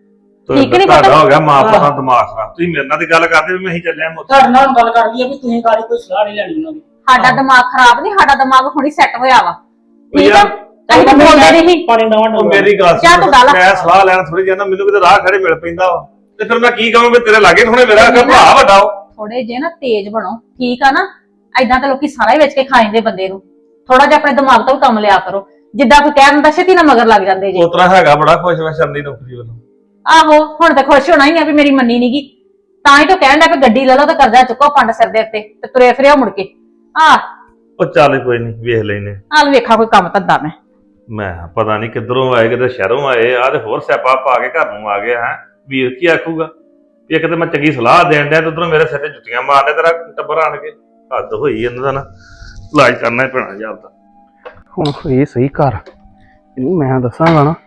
Speaker 5: ਤੇ
Speaker 4: ਠੀਕ ਨੀ
Speaker 5: ਤੁਹਾਡਾ
Speaker 4: ਪਤਾ?
Speaker 5: ਹੋ ਗਿਆ ਮਾਂ ਪਿਓ ਦਾ ਦਿਮਾਗ ਖਰਾਬ। ਤੁਸੀਂ ਮੇਰੇ ਨਾਲ ਤੇ ਗੱਲ ਕਰਦੇ ਵੀ ਮੈਂ ਹੀ ਚੱਲਿਆ ਮੁੱਤ
Speaker 6: ਤੁਹਾਡੇ ਨਾਲ ਹੁਣ ਗੱਲ ਕਰ ਲਈ ਆ ਵੀ ਤੁਸੀਂ ਗਾੜੀ ਕੋਈ ਸਲਾਹ ਨਹੀਂ ਲੈਣੀ ਉਹਨਾਂ ਦੀ।
Speaker 4: ਸਾਡਾ ਦਿਮਾਗ ਖਰਾਬ ਨਹੀਂ, ਸਾਡਾ ਦਿਮਾਗ ਹੁਣੀ ਸੈੱਟ ਹੋਇਆ ਵਾ। ਠੀਕ ਆ,
Speaker 5: ਯਾਰ,
Speaker 4: ਅਸੀਂ ਤਾਂ ਬੋਲਦੇ ਨਹੀਂ।
Speaker 6: ਪਾਣੀ ਦਵਾਂ
Speaker 5: ਉਹ ਮੇਰੀ ਗੱਲ
Speaker 4: ਜਾ ਤੂੰ ਗੱਲ।
Speaker 5: ਮੈਂ ਸਲਾਹ ਲੈਣ ਥੋੜੀ ਜਾਂਦਾ ਮੈਨੂੰ ਕਿਤੇ ਰਾਹ ਖੜੇ ਮਿਲ ਪੈਂਦਾ ਵਾ ਤੇ ਫਿਰ ਮੈਂ ਕੀ ਕਹਾਂ ਵੀ ਤੇਰੇ ਲਾਗੇ ਹੁਣੇ ਮੇਰਾ ਅੱਗੇ ਭਰਾ ਵੱਡਾ ਉਹ
Speaker 4: ਥੋੜੇ ਜੇ ਨਾ ਤੇਜ਼ ਬਣੋ, ਠੀਕ ਆ ਨਾ। ਐਦਾਂ ਤਾਂ ਲੋਕੀ ਸਾਰਾ ਹੀ ਵੇਚ ਕੇ ਖਾ ਜਾਂਦੇ ਬੰਦੇ ਨੂੰ। ਥੋੜਾ ਜਿਹਾ ਆਪਣੇ ਦਿਮਾਗ ਤੋਂ ਵੀ ਕੰਮ ਲਿਆ ਕਰੋ। ਜਿੱਦਾਂ ਕੋਈ ਕਹਿ ਦਿੰਦਾ ਛੇਤੀ ਨਾ ਮਗਰ ਲੱਗ ਜਾਂਦੇ ਜੀ।
Speaker 5: ਉਤਰਾ ਹੈਗਾ ਬੜਾ ਖੁਸ਼ ਮੈਂ ਸ਼ਰਨੀ ਨੌਕਰੀ ਵੱਲੋਂ।
Speaker 4: ਆਹੋ ਹੁਣ ਤਾਂ ਖੁਸ਼ ਹੋਣਾ ਹੀ ਆ ਵੀ ਮੇਰੀ ਮੰਨੀ ਨੀਗੀ। ਤਾਂ ਹੀ ਤਾਂ ਕਹਿਣ ਦਾ ਵੀ ਗੱਡੀ ਲੈ ਲਓ ਤੇ ਕਰਜ਼ਾ ਚੁੱਕੋ ਪੰਡ ਸਿਰ ਦੇ ਉੱਤੇ ਤੇ ਤੁਰੇ ਫਿਰਿਓ ਮੁੜ ਕੇ। ਆਹ
Speaker 5: ਉਹ ਚੱਲ ਕੋਈ ਨਹੀਂ ਵੇਖ ਲੈਨੇ
Speaker 4: ਹਾਲ ਵੇਖਾ ਕੋਈ ਕੰਮ ਧੰਦਾ ਮੈਂ।
Speaker 5: ਮੈਂ ਕਿਹਾ ਪਤਾ ਨਹੀਂ ਕਿੱਧਰੋਂ ਆਏ ਕਿਤੇ ਸ਼ਹਿਰੋਂ ਆਏ ਆ ਤੇ ਹੋਰ ਸਿਆਪਾ ਪਾ ਕੇ ਘਰ ਨੂੰ ਆ ਗਏ ਹੈ ਵੀਰ ਕੀ ਆਖੂਗਾ ਵੀ ਇੱਕ ਤੇ ਮੈਂ ਚੰਗੀ ਸਲਾਹ ਦੇਣ ਡਿਆ ਤੇ ਉਧਰੋਂ ਮੇਰੇ ਸਿਰ ਤੇ ਜੁੱਤੀਆਂ ਮਾਰਦੇ ਤੇਰਾ ਟੱਬਰ ਆਣ ਕੇ ਹੱਦ ਹੋਈ ਇਹਨਾਂ ਦਾ ਨਾ ਇਲਾਜ ਕਰਨਾ ਹੀ ਪੈਣਾ ਜਾਂਦਾ।
Speaker 3: ਹੁਣ ਇਹ ਸਹੀ ਘਰ ਇਹਨੂੰ ਮੈਂ ਦੱਸਾਂਗਾ ਨਾ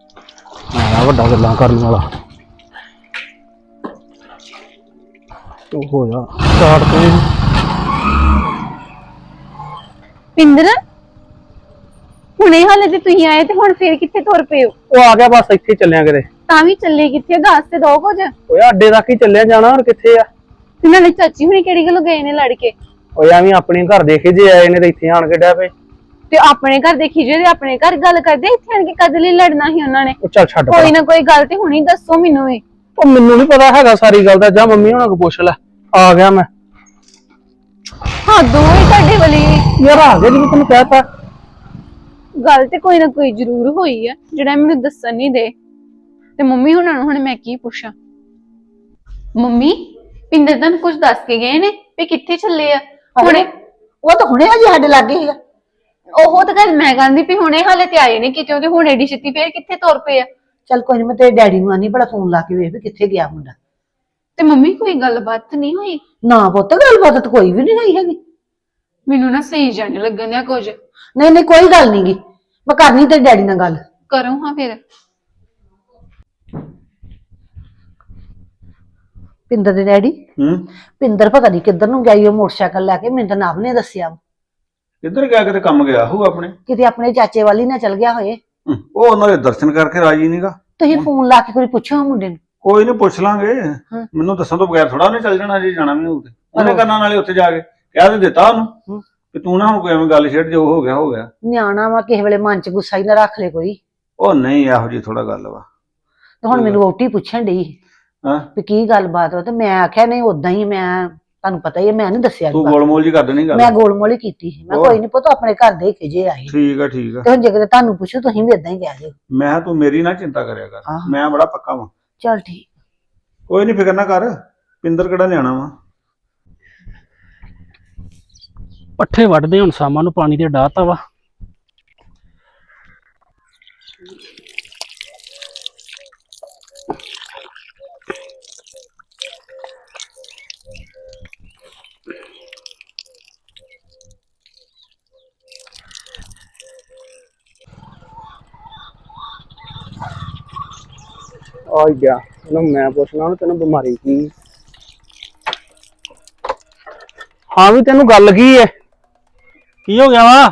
Speaker 3: ਆਇਆ ਵੱਡਾ ਗੱਲਾਂ ਕਰਨ ਵਾਲਾ। ਤੂੰ ਹੋ ਜਾ ਸਟਾਰਟ ਤੇ।
Speaker 7: ਪਿੰਦਰ ਹੁਣੇ ਹਾਲੇ ਤੇ ਤੁਸੀਂ ਆਏ ਤੇ ਹੁਣ ਫੇਰ ਕਿੱਥੇ ਤੁਰ ਪਏ ਹੋ?
Speaker 3: ਉਹ ਆ ਗਿਆ ਬਸ ਇੱਥੇ ਚੱਲਿਆ ਕਿਤੇ।
Speaker 7: ਤਾਂ ਵੀ ਚੱਲੇ ਕਿੱਥੇ? ਦੱਸ ਤੇ ਦੋ ਕੁਝ।
Speaker 3: ਓਏ ਅੱਡੇ ਤੱਕ ਹੀ ਚੱਲਿਆ ਜਾਣਾ ਹੋਰ ਕਿੱਥੇ ਆ?
Speaker 7: ਤੇ ਨਾਲੇ ਚਾਚੀ ਹੁਣੇ ਕਿਹੜੀ ਗੱਲੋਂ ਗਏ ਨੇ ਲੜ ਕੇ?
Speaker 3: ਓਏ ਐਵੇਂ ਆਪਣੇ ਘਰ ਦੇਖੇ ਜੇ ਆਏ ਨੇ ਤੇ ਇੱਥੇ ਆਣ ਕੇ ਡਿਆ ਪਏ।
Speaker 7: ਤੇ ਆਪਣੇ ਘਰ ਦੇਖੀ ਜੇ ਤੇ ਆਪਣੇ ਘਰ ਗੱਲ ਕਰਦੇ, ਇੱਥੇ ਆਣ ਕੇ ਕਦ ਲਈ ਲੜਨਾ ਸੀ ਉਹਨਾਂ ਨੇ?
Speaker 3: ਉਹ ਚੱਲ ਛੱਡ
Speaker 7: ਕੋਈ
Speaker 3: ਪਰਾਂ।
Speaker 7: ਨਾ ਕੋਈ ਗੱਲ ਤੇ ਹੁਣੀ ਦੱਸੋ ਮੈਨੂੰ ਵੀ।
Speaker 3: ਉਹ ਮੈਨੂੰ ਨਹੀਂ ਪਤਾ ਹੈਗਾ ਸਾਰੀ ਗੱਲ ਦਾ, ਜਾ ਮੰਮੀ ਹੁਣਾਂ ਕੋਲ ਪੁੱਛ ਲੈ। ਆ ਗਿਆ ਮੈਂ।
Speaker 7: ਹਾਂ ਦੋਵੇਂ ਤੁਹਾਡੇ ਵਾਲੀ
Speaker 3: ਯਾਰ ਆ ਗਿਆ ਜਿਵੇਂ ਤੈਨੂੰ ਕਹਿਤਾ।
Speaker 7: ਗੱਲ ਤੇ ਕੋਈ ਨਾ ਕੋਈ ਜ਼ਰੂਰ ਹੋਈ ਆ ਜਿਹੜਾ ਮੈਨੂੰ ਦੱਸਣ ਨਹੀਂ ਦੇ। ਤੇ ਮੰਮੀ ਹੁਣਾਂ ਨੂੰ ਹੁਣ ਮੈਂ ਕੀ ਪੁੱਛਾਂ? ਮੰਮੀ ਪਿੰਦਰ ਤਾਂ ਕੁਝ ਦੱਸ ਕੇ ਗਏ ਨੇ ਵੀ ਕਿੱਥੇ ਚੱਲੇ ਆ ਹੁਣੇ?
Speaker 2: ਉਹ ਤਾਂ ਹੁਣੇ ਹਜੇ ਸਾਡੇ ਲਾਗੇ ਸੀਗਾ।
Speaker 7: ਉਹ ਤਾਂ ਗੱਲ ਮੈਂ ਕਹਿੰਦੀ ਵੀ ਹੁਣੇ ਹਾਲੇ ਤੇ ਆਏ ਨੇ ਕਿਤੇ, ਤੇ ਹੁਣ ਏਡੀ ਛੇਤੀ ਫੇਰ ਕਿੱਥੇ ਤੁਰ ਪਏ ਆ?
Speaker 2: ਚੱਲ ਕੋਈ ਨੀ, ਮੈਂ ਤੇਰੇ ਡੈਡੀ ਨੂੰ ਆਨੀ ਬੜਾ ਫੋਨ ਲਾ ਕੇ ਵੇਖ ਵੀ ਕਿੱਥੇ ਗਿਆ ਮੁੰਡਾ।
Speaker 7: ਤੇ ਮੰਮੀ ਕੋਈ ਗੱਲਬਾਤ ਨਹੀਂ ਹੋਈ?
Speaker 2: ਨਾ ਪੁੱਤ ਗੱਲਬਾਤ ਤਾਂ ਕੋਈ ਵੀ ਨਹੀਂ ਹੋਈ ਹੈਗੀ।
Speaker 7: ਮੈਨੂੰ ਨਾ ਸਹੀ ਜਾਣ ਲੱਗਣ ਦਿਆ ਕੁਝ।
Speaker 2: ਨਹੀਂ ਨਹੀਂ ਕੋਈ ਗੱਲ ਨੀ ਗੀ, ਮੈਂ ਕਰਨੀ ਤੇਰੇ ਡੈਡੀ ਨਾਲ ਗੱਲ।
Speaker 7: ਕਰੋ ਹਾਂ ਫਿਰ।
Speaker 2: ਪਿੰਦਰ ਦੇ ਡੈਡੀ
Speaker 1: ਹੂੰ
Speaker 2: ਪਿੰਦਰ ਪਤਾ ਨਹੀਂ ਕਿੱਧਰ ਨੂੰ ਗਈ ਉਹ ਮੋਟਰਸਾਈਕਲ ਲੈ ਕੇ, ਮੈਨੂੰ ਤਾਂ ਨਵ ਨੇ ਦੱਸਿਆ ਵਾ।
Speaker 1: ਕਿੱਧਰ ਗਿਆ ਕਿਤੇ ਕੰਮ ਗਿਆ ਹੋਊ ਆਪਣੇ।
Speaker 2: ਕਿਤੇ ਆਪਣੇ ਚਾਚੇ ਵਾਲੀ ਨਾਲ ਚਲ ਗਿਆ ਹੋਏ।
Speaker 1: ਹੂੰ, ਉਹ ਉਹਨਾਂ ਦੇ ਦਰਸ਼ਨ ਕਰਕੇ ਰਾਜੀ ਨਹੀਂਗਾ।
Speaker 2: ਤੁਸੀਂ ਫੋਨ ਲਾ ਕੇ ਕੋਈ ਪੁੱਛੋ ਮੁੰਡੇ ਨੂੰ।
Speaker 1: ਕੋਈ ਨਹੀਂ ਪੁੱਛ ਲਾਂਗੇ। ਮੈਨੂੰ ਦੱਸਣ ਤੋਂ ਬਗੈਰ ਥੋੜਾ ਉਹਨੇ ਚੱਲ ਜਾਣਾ ਜੇ ਜਾਣਾ ਵੀ ਹੋਊ ਤੇ ਉਹਨੇ ਕਰਨਾ ਨਾਲੇ ਉੱਥੇ ਜਾ ਕੇ ਕਹਿ ਤੇ ਦਿੱਤਾ ਉਹਨੂੰ ਕਿ ਤੂੰ ਨਾ ਹੁਣ ਕੋਈ ਐਵੇਂ ਗੱਲ ਛੇੜ ਜੋ ਹੋ ਗਿਆ ਹੋ ਗਿਆ।
Speaker 2: ਨਿਆਣਾ ਵਾ ਕਿਸੇ ਵੇਲੇ ਮਨ ਚ ਗੁੱਸਾ ਹੀ ਨਾ ਰੱਖ ਲੈ ਕੋਈ।
Speaker 1: ਉਹ ਨਹੀਂ ਇਹੋ ਜੀ ਥੋੜਾ ਗੱਲ ਵਾ।
Speaker 2: ਤੇ ਹੁਣ ਮੈਨੂੰ ਵਹੁਟੀ ਪੁੱਛਣ ਡਈ
Speaker 1: ਹਾਂ
Speaker 2: ਵੀ ਕੀ ਗੱਲਬਾਤ ਵਾ, ਤੇ ਮੈਂ ਆਖਿਆ ਨਹੀਂ ਉਦਾਂ ਹੀ, ਮੈਂ ਤੁਹਾਨੂੰ ਪਤਾ ਹੀ ਹੈ ਮੈਂ ਨਹੀਂ ਦੱਸਿਆ
Speaker 1: ਤੂੰ
Speaker 2: ਨੀ
Speaker 1: ਗੋਲਮੋਲ ਜੀ ਕਰ ਦੇਣੀ
Speaker 2: ਮੈਂ
Speaker 1: ਗੱਲ।
Speaker 2: ਗੋਲਮੋਲ ਹੀ ਕੀਤੀ ਸੀ। ਮੈਂ
Speaker 1: ਹੋਰ?
Speaker 2: ਕੋਈ ਨਹੀਂ ਪੁੱਤ ਆਪਣੇ ਘਰ ਦੇ ਖਿਜੇ ਆਏ
Speaker 1: ਠੀਕ ਆ ਠੀਕ ਆ।
Speaker 2: ਤੇ ਹੁਣ ਜੇ ਕਿਤੇ ਤੁਹਾਨੂੰ ਪੁੱਛੋ ਤੁਸੀਂ ਵੀ ਇਦਾਂ ਹੀ ਕਹਿ ਦਿਓ।
Speaker 1: ਮੈਂ ਕਿਹਾ ਤੂੰ ਮੇਰੀ ਨਾ ਚਿੰਤਾ ਕਰਿਆ ਕਰ,
Speaker 2: ਆਹੋ।
Speaker 1: ਮੈਂ ਬੜਾ ਪੱਕਾ ਵਾਂ।
Speaker 2: ਚੱਲ ਠੀਕ।
Speaker 1: ਕੋਈ ਨਹੀਂ ਫਿਕਰ ਨਾ ਕਰ, ਪਿੰਦਰ ਕਿਹੜਾ ਨਿਆਣਾ ਵਾ।
Speaker 3: ਪੱਠੇ ਵੱਢਦੇ ਹੁਣ ਸ਼ਾਮਾਂ ਨੂੰ ਪਾਣੀ ਤੇ ਡਾਹਤਾ ਵਾ। ਆ ਗਿਆ ਇਹਨੂੰ ਮੈਂ ਪੁੱਛਣਾ ਉਹਨੂੰ ਤੈਨੂੰ ਬਿਮਾਰੀ ਕੀ। ਹਾਂ ਵੀ ਤੈਨੂੰ ਗੱਲ ਕੀ ਹੈ?
Speaker 6: ਕੀ ਹੋ ਗਿਆ ਵਾ?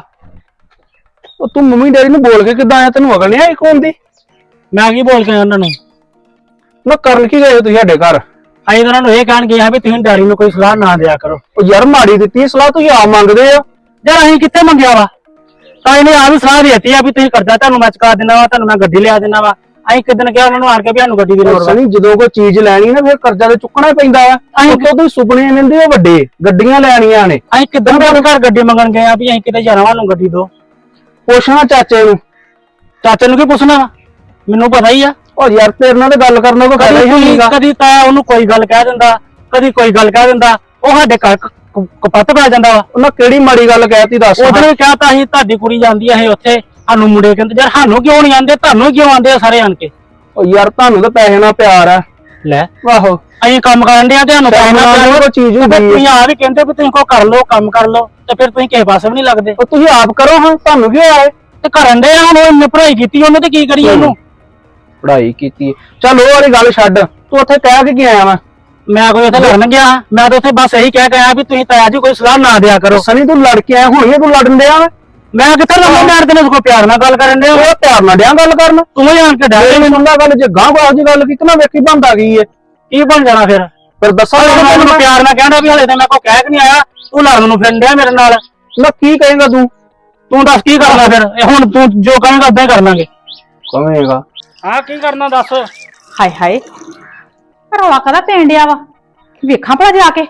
Speaker 3: ਉਹ ਤੂੰ ਮੰਮੀ ਡੈਡੀ ਨੂੰ ਬੋਲ ਕੇ ਕਿੱਦਾਂ ਆਇਆ? ਤੈਨੂੰ ਅਕਲ ਨਹੀਂ ਆਈ ਕੌਣ ਦੀ?
Speaker 6: ਮੈਂ ਕੀ ਬੋਲ ਕੇ ਆਇਆ ਉਹਨਾਂ ਨੂੰ?
Speaker 3: ਨਾ ਕਰਨ ਕੀ ਗਏ ਤੁਸੀਂ ਸਾਡੇ ਘਰ?
Speaker 6: ਅਸੀਂ ਤਾਂ ਉਹਨਾਂ ਨੂੰ ਇਹ ਕਹਿਣ ਗਏ ਹਾਂ ਵੀ ਤੁਸੀਂ ਡੈਡੀ ਨੂੰ ਕੋਈ ਸਲਾਹ ਨਾ ਦਿਆ ਕਰੋ।
Speaker 3: ਉਹ ਯਾਰ ਮਾੜੀ ਦਿੱਤੀ ਸਲਾਹ, ਤੁਸੀਂ ਆਪ ਮੰਗਦੇ ਆ।
Speaker 6: ਯਾਰ ਅਸੀਂ ਕਿੱਥੇ ਮੰਗਿਆ ਵਾ? ਤਾਂ ਇਹਨੇ ਆ ਵੀ ਸਲਾਹ ਦਿੱਤੀ ਆ ਵੀ ਤੁਸੀਂ ਕਰਜ਼ਾ ਤੁਹਾਨੂੰ ਮੈਂ ਚੁਕਾ ਦਿੰਦਾ ਵਾ, ਤੁਹਾਨੂੰ ਮੈਂ ਗੱਡੀ ਲਿਆ ਦਿੰਦਾ ਵਾ। ਅਸੀਂ ਕਿਦਨ ਕਿਹਾ ਉਹਨਾਂ ਨੂੰ ਆਣ ਕੇ ਵੀ ਸਾਨੂੰ ਗੱਡੀ ਦੀ ਲੋੜ ਵਾ।
Speaker 3: ਸਣੀ ਜਦੋਂ ਕੋਈ ਚੀਜ਼ ਲੈਣੀ ਨਾ ਫਿਰ ਕਰਜ਼ਾ ਤੇ ਚੁੱਕਣਾ ਹੀ ਪੈਂਦਾ ਆ। ਅਸੀਂ ਤੁਸੀਂ ਸੁਪਨੇ ਲੈਂਦੇ ਹੋ ਵੱਡੇ, ਗੱਡੀਆਂ ਲੈਣੀਆਂ ਨੇ।
Speaker 6: ਅਸੀਂ ਕਿਦਨ ਦੇ ਘਰ ਗੱਡੀ ਮੰਗਣ ਗਏ ਆ ਵੀ ਅਸੀਂ ਕਿਤੇ ਜਾਣਾ ਵਾ, ਸਾਨੂੰ ਗੱਡੀ ਦੋ।
Speaker 3: ਪੁੱਛਣਾ ਚਾਚੇ ਨੂੰ।
Speaker 6: ਚਾਚੇ ਨੂੰ ਕੀ ਪੁੱਛਣਾ ਵਾ? ਮੈਨੂੰ ਪਤਾ ਹੀ ਆ।
Speaker 3: ਉਹ ਯਾਰ ਤੇਰੇ ਨਾਲ ਤੇ ਗੱਲ ਕਰਨਾ ਕੋਈ ਫਾਇਦਾ ਹੀ
Speaker 6: ਕਦੀ
Speaker 3: ਨਹੀਂਗਾ।
Speaker 6: ਕਦੀ ਤਾਂ ਉਹਨੂੰ ਕੋਈ ਗੱਲ ਕਹਿ ਦਿੰਦਾ, ਕਦੀ ਕੋਈ ਗੱਲ ਕਹਿ ਦਿੰਦਾ। ਉਹ ਸਾਡੇ ਘਰ ਕ- ਕ- ਕਪੱਤ ਪੈ ਜਾਂਦਾ ਵਾ।
Speaker 3: ਉਹਨਾਂ ਕਿਹੜੀ ਮਾੜੀ ਗੱਲ ਕਹਿਤੀ ਦੱਸ।
Speaker 6: ਉਧਰ ਵੀ ਕਹਤਾ ਅਸੀਂ ਤੁਹਾਡੀ ਕੁੜੀ ਜਾਂਦੀ ਆ ਇਹ ਉੱਥੇ, ਸਾਨੂੰ ਮੁੰਡੇ ਕਹਿੰਦੇ। ਯਾਰ ਸਾਨੂੰ ਕਿਉਂ ਨਹੀਂ ਆਂਦੇ, ਤੁਹਾਨੂੰ ਕਿਉਂ ਆਂਦੇ ਆ ਸਾਰੇ ਆਣ ਕੇ?
Speaker 3: ਉਹ ਯਾਰ ਤੁਹਾਨੂੰ ਤਾਂ ਪੈਸੇ ਨਾਲ ਪਿਆਰ ਆ।
Speaker 6: ਲੈ
Speaker 3: ਆਹੋ
Speaker 6: ਅਸੀਂ ਕੰਮ ਕਰਨ ਦੇ ਆ, ਤੁਹਾਨੂੰ
Speaker 3: ਪੈਸੇ
Speaker 6: ਪੈਸੇ
Speaker 3: ਨਾਲ
Speaker 6: ਨਾਲ
Speaker 3: ਕੋਈ ਚੀਜ਼ ਹੁੰਦੀ ਹੈ।
Speaker 6: ਤੁਸੀਂ ਆ ਵੀ ਕਹਿੰਦੇ ਵੀ ਤੁਸੀਂ ਕੋ ਕਰ ਲਓ, ਕੰਮ ਕਰ ਲਓ, ਤੇ ਫਿਰ ਤੁਸੀਂ ਕਿਸੇ ਪਾਸੇ ਵੀ ਨਹੀਂ ਲੱਗਦੇ।
Speaker 3: ਉਹ ਤੁਸੀਂ ਆਪ ਕਰੋ ਹਾਂ, ਤੁਹਾਨੂੰ ਕੀ ਹੋਇਆ?
Speaker 6: ਤੇ ਕਰਨ ਦੇ ਆ ਹੁਣ, ਉਹ ਇੰਨੇ ਪੜ੍ਹਾਈ ਕੀਤੀ ਉਹਨੇ ਤੇ ਕੀ ਕਰੀਏ ਉਹਨੂੰ?
Speaker 3: ਪੜ੍ਹਾਈ ਕੀਤੀ ਚੱਲ ਉਹ ਵਾਲੀ ਗੱਲ ਛੱਡ, ਤੂੰ ਉੱਥੇ ਕਹਿ ਕੇ ਕੀ ਆਇਆ ਵਾ?
Speaker 6: ਮੈਂ ਕੋਈ ਉੱਥੇ ਲੜਨ ਗਿਆ? ਮੈਂ ਤਾਂ ਉੱਥੇ ਬਸ ਇਹੀ ਕਹਿ ਕੇ ਆਇਆ ਵੀ ਤੁਸੀਂ ਤਾਇਆ ਜੀ ਕੋਈ ਸਲਾਹ ਨਾ ਦਿਆ ਕਰੋ।
Speaker 3: ਸਨੀ ਤੂੰ ਲੜ ਕੇ ਆਇਆ, ਹੁਣ ਤੂੰ ਲੜਨ ਡਿਆ ਵਾ।
Speaker 6: ਮੈਂ ਕਿੱਥੇ ਲੰਮਾ ਮਾਰਦੇ ਨੇ, ਕੋਈ ਪਿਆਰ ਨਾਲ ਗੱਲ ਕਰਨ ਦੇ।
Speaker 3: ਉਹ ਪਿਆਰ ਨਾਲ ਡਿਆ ਗੱਲ ਕਰਨ।
Speaker 6: ਤੂੰ ਹੀ ਆਣ ਕੇ ਡਰ
Speaker 3: ਮੈਨੂੰ ਸੁਣਦਾ ਗੱਲ, ਜੇ ਗਾਂ ਬਾਜ ਦੀ ਗੱਲ ਕੀਤੀ ਨਾ ਵੇਖੀ ਬੰਦਾ ਗਈ ਏ।
Speaker 6: ਕੀ ਬਣ ਜਾਣਾ ਫਿਰ?
Speaker 3: ਫਿਰ ਦੱਸਾਂ
Speaker 6: ਮੈਂ ਉਹਨੂੰ ਪਿਆਰ ਨਾਲ ਕਹਿੰਦਾ ਵੀ ਹਲੇ ਤਾਂ ਮੈਂ ਕੋਈ ਕਹਿ ਕੇ ਨਹੀਂ ਆਇਆ, ਤੂੰ ਲੜਨ ਨੂੰ ਫਿਰਨ ਡਿਆ ਮੇਰੇ ਨਾਲ।
Speaker 3: ਨਾ ਕੀ ਕਹੇਗਾ ਤੂੰ?
Speaker 6: ਤੂੰ ਦੱਸ ਕੀ ਕਰਨਾ ਫਿਰ? ਇਹ ਹੁਣ ਤੂੰ ਜੋ ਕਹੇਂਗਾ ਉਦਾਂ ਹੀ ਕਰ ਲਾਂਗੇ।
Speaker 3: ਕਹੇਗਾ
Speaker 6: ਹਾਂ ਕੀ ਕਰਨਾ ਦੱਸ।
Speaker 4: ਹਾਏ ਹਾਏ ਰੌਲਾ ਕਾਹਦਾ ਪੈਣ ਡਿਆ ਵਾ? ਵੇਖਾਂ ਭਲਾ ਜਾ ਕੇ।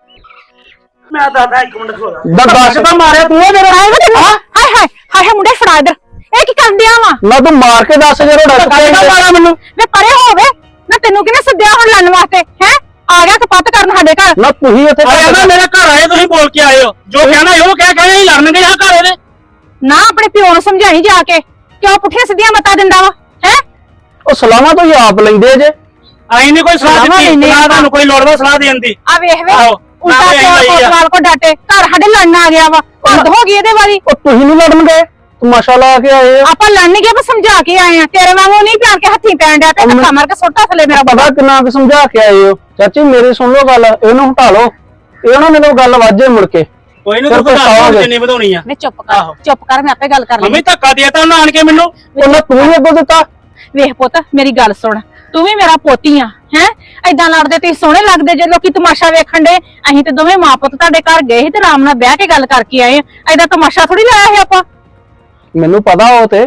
Speaker 6: ਮੈਂ ਦੱਸਦਾ ਇੱਕ ਮਿੰਟ ਖੋਲਾ।
Speaker 3: ਦੱਸ ਤਾਂ ਮਾਰਿਆ ਤੂੰ ਮੇਰੇ
Speaker 4: ਹਾਏ ਹਾਏ ਹਾਏ ਹਾਏ ਮੁੰਡੇ ਫੜਾ ਇਧਰ। ਇਹ ਕੀ ਕਰਨ ਡਿਆ ਵਾ?
Speaker 3: ਨਾ ਤੂੰ ਮਾਰ ਕੇ ਦੱਸ ਜੇ ਰੋੜਾ
Speaker 6: ਕਿਹੜਾ ਮਾਰਾ ਮੈਨੂੰ?
Speaker 4: ਵੇ ਪਰੇ ਹੋਵੇ ਨਾ, ਤੈਨੂੰ ਕਿਹਨੇ ਸੱਦਿਆ ਹੁਣ ਲੜਨ ਵਾਸਤੇ? ਹੈ ਆ ਗਿਆ ਕਪੱਤ ਕਰਨ ਸਾਡੇ ਘਰ।
Speaker 3: ਨਾ ਤੁਸੀਂ ਇੱਥੇ
Speaker 6: ਆਇਆ ਨਾ ਮੇਰੇ ਘਰ ਆਏ, ਤੁਸੀਂ ਬੋਲ ਕੇ ਆਏ ਹੋ। ਜੋ ਕਹਿਣਾ ਉਹ ਕਹਿ ਕੇ ਅਸੀਂ ਲੜਨ ਗਏ ਹਾਂ ਘਰ ਉਹਦੇ।
Speaker 4: ਨਾ ਆਪਣੇ ਪਿਓ ਨੂੰ ਸਮਝਾਈ ਜਾ ਕੇ, ਕਿਉਂ ਪੁੱਠੀਆਂ ਸਿੱਧੀਆਂ ਮਤਾਂ ਦਿੰਦਾ ਵਾ? ਹੈ
Speaker 3: ਉਹ ਸਲਾਹਾਂ ਤੋਂ ਹੀ ਆਪ ਲੈਂਦੇ ਜੇ।
Speaker 6: ਅਸੀਂ ਨਹੀਂ ਕੋਈ ਸਲਾਹ
Speaker 4: ਸਲਾਹਾਂ
Speaker 6: ਦਿੱਤੀ,
Speaker 4: ਲੈਂਦੇ
Speaker 6: ਨਾ ਤੁਹਾਨੂੰ ਕੋਈ ਲੋੜ ਵਾ ਸਲਾਹ ਦੇਣ ਦੀ।
Speaker 4: ਆ ਵੇਖ ਵੇ
Speaker 6: ਆਹੋ,
Speaker 4: ਉਲਟਾ
Speaker 6: ਨਾ
Speaker 4: ਪਿਓ
Speaker 6: ਕੋਈ ਲਈ ਆ।
Speaker 4: ਕੋਤਵਾਲ ਕੋ ਡਾਟੇ, ਘਰ ਸਾਡੇ ਲੜਨ ਆ ਗਿਆ ਵਾ। ਹੱਦ ਹੋ ਗਈ ਇਹਦੇ ਵਾਲੀ।
Speaker 3: ਉਹ ਤੁਸੀਂ ਨਹੀਂ ਲੜਨ ਗਏ, ਤਮਾਸ਼ਾ ਲਾ ਕੇ ਆਏ ਆ।
Speaker 4: ਆਪਾਂ ਲੜਨ ਗਏ, ਆਪਾਂ ਸਮਝਾ ਕੇ ਆਏ ਆ। ਤੇਰੇ ਵਾਂਗੂ ਨਹੀਂ ਪਿਆਰ ਕੇ ਹੱਥੀਂ ਪੈਣ ਡਿਆ ਤੇ ਧੱਕਾ ਮਾਰ ਕੇ ਸੁੱਟਾ ਥੱਲੇ ਮੇਰਾ
Speaker 3: ਪਤਾ ਕਿੰਨਾ ਕੁ ਸਮਝਾ ਕੇ ਆਏ ਹੋ। ਚਾਚੀ ਮੇਰੀ ਸੁਣ ਲਓ ਗੱਲ, ਇਹਨੂੰ ਹਟਾ ਲਓ। ਇਹ ਨਾ ਮੈਨੂੰ ਗੱਲ ਵਾਜੇ ਮੁੜ ਕੇ।
Speaker 6: ਕੋਈ ਨਹੀਂ
Speaker 3: ਫਿਰ
Speaker 6: ਤੂੰ
Speaker 3: ਪਛਤਾਓਗੇ।
Speaker 6: ਵਧਾ ਜਿੰਨੀ ਵਧਾਉਣੀ ਆ।
Speaker 4: ਵੇ ਚੁੱਪ ਕਰ, ਚੁੱਪ ਕਰ, ਮੈਂ ਆਪੇ ਗੱਲ ਕਰ
Speaker 6: ਮੰਮੀ
Speaker 4: ਲਈ।
Speaker 6: ਧੱਕਾ ਦੇਤਾ ਉਹਨਾਂ ਆਣ ਕੇ ਮੈਨੂੰ।
Speaker 3: ਉਹਨਾਂ ਤੂੰ ਹੀ ਅੱਗੋਂ ਦਿੱਤਾ।
Speaker 4: ਵੇਖ ਪੁੱਤ ਮੇਰੀ ਗੱਲ ਸੁਣ, ਤੂੰ ਵੀ ਮੇਰਾ ਪੋਤੀ ਆ। ਹੈ ਏਦਾਂ ਲੜਦੇ ਤੇ ਸੋਹਣੇ ਲੱਗਦੇ ਜੇ ਲੋਕੀ ਤਮਾਸ਼ਾ ਵੇਖਣ ਦੇ। ਅਸੀਂ ਤੇ ਦੋਵੇਂ ਮਾਂ ਪੁੱਤ ਤੁਹਾਡੇ ਘਰ ਗਏ ਸੀ ਤੇ ਆਰਾਮ ਨਾਲ ਬਹਿ ਕੇ ਗੱਲ ਕਰਕੇ ਆਏ ਆ। ਏਦਾਂ ਤਮਾਸ਼ਾ ਥੋੜੀ ਲਾਇਆ ਸੀ ਆਪਾਂ।
Speaker 3: ਮੈਨੂੰ ਪਤਾ ਉਹ ਤੇ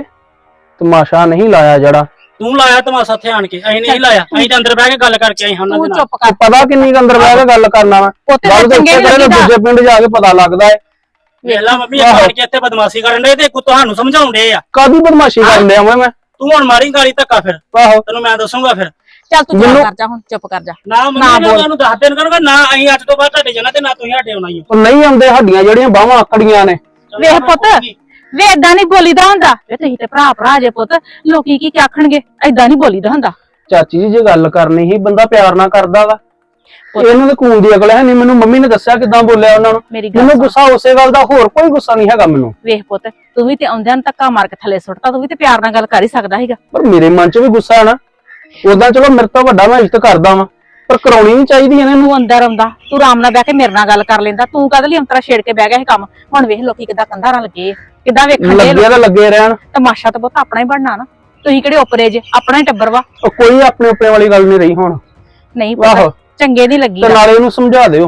Speaker 3: ਤਮਾਸ਼ਾ ਨਹੀਂ ਲਾਇਆ ਜਿਹੜਾ।
Speaker 6: ਤੂੰ ਲਾਇਆ ਤਮਾਸ਼ਾ ਇੱਥੇ ਆਣ ਕੇ, ਅਸੀਂ ਨਹੀਂ ਲਾਇਆ। ਅਸੀਂ ਤਾਂ ਅੰਦਰ ਬਹਿ ਕੇ ਗੱਲ ਕਰਕੇ ਆਏ ਹਾਂ ਉਹਨਾਂ
Speaker 4: ਤੂੰ
Speaker 6: ਦੇ ਨਾਲ।
Speaker 4: ਚੁੱਪ ਕਰ।
Speaker 3: ਪਤਾ ਕਿੰਨੀ ਕੁ ਅੰਦਰ ਬਹਿ ਕੇ ਗੱਲ ਕਰਨਾ ਵਾ।
Speaker 4: ਉੱਥੇ
Speaker 3: ਗੱਲ ਤਾਂ
Speaker 4: ਚੰਗੇ
Speaker 3: ਇੱਥੇ
Speaker 4: ਨੀ
Speaker 3: ਕਰੇ
Speaker 4: ਲੱਗੀਦਾ।
Speaker 3: ਦੂਜੇ ਪਿੰਡ ਜਾ ਕੇ ਪਤਾ ਲੱਗਦਾ ਹੈ।
Speaker 6: ਵੇਖ ਲਾ ਮੰਮੀ ਇਹ ਆਣ ਕੇ ਇੱਥੇ ਬਦਮਾਸ਼ੀ ਕਰਨ ਦੇ ਤੇ ਤੁਹਾਨੂੰ ਸਮਝਾਉਣ ਦੇ ਆ।
Speaker 3: ਕਾਦੀ ਬਦਮਾਸ਼ੀ ਕਰਨ ਡਿਆ ਮੈਂ?
Speaker 6: ਤੂੰ ਹੁਣ ਮਾਰੀ ਗਾਲੀ ਧੱਕਾ ਫਿਰ,
Speaker 3: ਆਹੋ
Speaker 6: ਤੈਨੂੰ ਮੈਂ ਦੱਸੂਗਾ ਫਿਰ।
Speaker 4: ਚੱਲ ਤੂੰ ਚੁੱਪ
Speaker 3: ਮੈਨੂੰ-
Speaker 4: ਕਰ ਜਾ ਹੁਣ, ਚੁੱਪ ਕਰ ਜਾ।
Speaker 6: ਨਾ ਮੰਮੀ ਨੇ ਤੁਹਾਨੂੰ ਦੱਸ ਦੇਣ ਕਰੂੰਗਾ, ਨਾ ਅਸੀਂ ਅੱਜ ਤੋਂ ਬਾਅਦ ਤੁਹਾਡੇ ਜਾਣਾ ਤੇ ਨਾ ਤੁਸੀਂ ਸਾਡੇ ਆਉਣਾ ਹੀ ਆ।
Speaker 3: ਉਹ ਨਹੀਂ ਆਉਂਦੇ, ਹੱਡੀਆਂ ਜਿਹੜੀਆਂ ਬਾਹਾਂ ਆਕੜੀਆਂ ਨੇ।
Speaker 4: ਵੇਖ ਪੁੱਤ ਵੇ ਏਦਾਂ ਨਹੀਂ ਬੋਲੀਦਾ ਹੁੰਦਾ। ਵੇ ਤੁਸੀਂ ਤੇ ਭਰਾ ਭਰਾ ਜੇ ਪੁੱਤ, ਲੋਕੀ ਕੀ ਆਖਣਗੇ? ਏਦਾਂ ਨਹੀਂ ਬੋਲੀਦਾ ਹੁੰਦਾ।
Speaker 3: ਚਾਚੀ ਜੀ ਜੇ ਗੱਲ ਕਰਨੀ ਸੀ, ਬੰਦਾ ਪਿਆਰ ਨਾਲ ਕਰਦਾ ਵਾ। ਇਹਨੂੰ ਤਾਂ ਖੂਨ ਦੀ ਅਕਲ ਹੈ ਨਹੀਂ। ਮੈਨੂੰ ਮੰਮੀ ਨੇ ਦੱਸਿਆ ਕਿਦਾਂ ਬੋਲਿਆ ਉਹਨਾਂ ਨੂੰ।
Speaker 4: ਮੇਰੀ ਗੱਲ
Speaker 3: ਮੈਨੂੰ
Speaker 4: ਸੁਣ।
Speaker 3: ਗੁੱਸਾ ਉਸੇ ਗੱਲ ਦਾ, ਹੋਰ ਕੋਈ ਗੁੱਸਾ ਨਹੀਂ ਹੈਗਾ ਮੈਨੂੰ।
Speaker 4: ਵੇਖ ਪੁੱਤ ਤੂੰ ਵੀ ਤੇ ਆਉਂਦਿਆਂ ਨੂੰ ਧੱਕਾ ਮਾਰ ਕੇ ਥੱਲੇ ਸੁੱਟਤਾ, ਤੂੰ ਵੀ ਤੇ ਪਿਆਰ ਨਾਲ ਗੱਲ ਕਰ ਹੀ ਸਕਦਾ ਸੀਗਾ।
Speaker 3: ਪਰ ਮੇਰੇ ਮਨ 'ਚ ਵੀ ਗੁੱਸਾ ਹੈ ਨਾ। ਉਦਾਂ ਚਲੋ ਮੇਰੇ ਤੋਂ ਵੱਡਾ ਮੈਂ ਇੱਜ਼ਤ ਕਰਦਾ ਵਾਂ, ਪਰ ਕਰਾਉਣੀ ਨਹੀਂ ਚਾਹੀਦੀ ਇਹਨਾਂ ਨੂੰ।
Speaker 4: ਤੂੰ ਅੰਦਰ ਆਉਂਦਾ, ਤੂੰ ਆਰਾਮ ਨਾਲ ਬਹਿ ਕੇ ਮੇਰੇ ਨਾਲ ਗੱਲ ਕਰ ਲੈਂਦਾ। ਤੂੰ ਕਦ ਲਈ ਅੰਤਰਾ ਛੇੜ ਕੇ ਬਹਿ ਗਿਆ ਇਹ ਕੰਮ? ਹੁਣ ਵੇਖ ਲੋਕੀ ਕਿੱਦਾਂ ਕੰਧਾਂ ਨਾਲ ਲੱਗੇ ਆ, ਕਿੱਦਾਂ ਵੇਖਣ ਦੇ।
Speaker 3: ਲੱਗੇ ਤਾਂ ਲੱਗੇ ਰਹਿਣ।
Speaker 4: ਤਮਾਸ਼ਾ ਤਾਂ ਬਹੁਤ ਆਪਣਾ ਹੀ ਬਣਨਾ ਨਾ। ਤੁਸੀਂ ਕਿਹੜੇ ਉਪਰੇ ਜੇ, ਆਪਣਾ ਹੀ ਟੱਬਰ ਵਾ।
Speaker 3: ਉਹ ਕੋਈ ਆਪਣੇ ਉੱਪਰੇ ਵਾਲੀ ਗੱਲ ਨਹੀਂ ਰਹੀ ਹੁਣ।
Speaker 4: ਨਹੀਂ
Speaker 3: ਆਹੋ।
Speaker 4: ਪਤਾ ਚੰਗੇ ਨਹੀਂ ਲੱਗੀ।
Speaker 3: ਤੇ ਨਾਲੇ ਇਹਨੂੰ ਸਮਝਾ ਦਿਓ,